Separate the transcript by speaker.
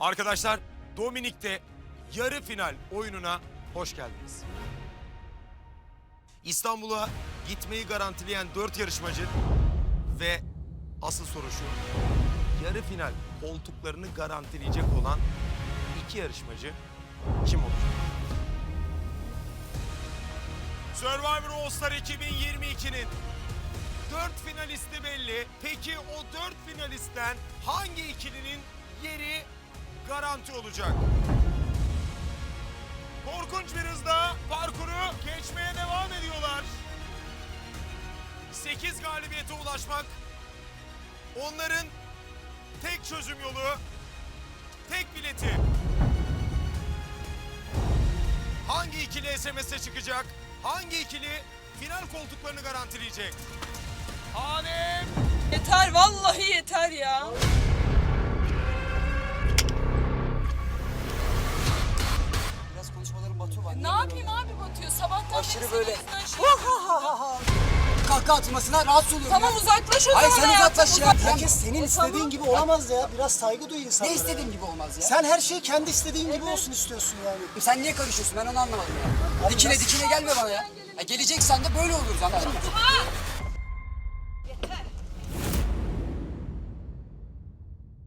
Speaker 1: Arkadaşlar, Dominik'te yarı final oyununa hoş geldiniz. İstanbul'a gitmeyi garantileyen 4 yarışmacı ve asıl soru şu: yarı final koltuklarını garantileyecek olan 2 yarışmacı kim olacak? Survivor All Star 2022'nin 4 finalisti belli. Peki o 4 finalistten hangi ikilinin yeri garanti olacak? Korkunç bir hızla parkuru geçmeye devam ediyorlar. 8 galibiyete ulaşmak onların tek çözüm yolu, tek bileti. Hangi ikili SMS'e çıkacak? Hangi ikili final koltuklarını garantileyecek? Adem!
Speaker 2: Yeter, vallahi yeter ya.
Speaker 3: Biraz konuşmalarım batıyor bana.
Speaker 2: Ne yapayım abi Batıyor? Sabahtan
Speaker 3: Aşırı
Speaker 2: beri
Speaker 3: böyle.
Speaker 2: senin yüzünden
Speaker 3: Kahkaha atmasına rahatsız oluyorum
Speaker 2: Tamam
Speaker 3: ya.
Speaker 2: uzaklaş o zaman.
Speaker 3: Hayır sen
Speaker 2: hayatım,
Speaker 3: uzaklaş ya.
Speaker 4: Herkes senin istediğin gibi olamaz ya. Biraz saygı duy insanlara.
Speaker 3: Ne istediğim gibi olmaz ya.
Speaker 4: Sen her şeyi kendi istediğin gibi olsun istiyorsun yani.
Speaker 3: Sen niye karışıyorsun ben onu anlamadım ya. Dikine dikine gelme bana ya. Geleceksen de böyle oluruz anladın mı?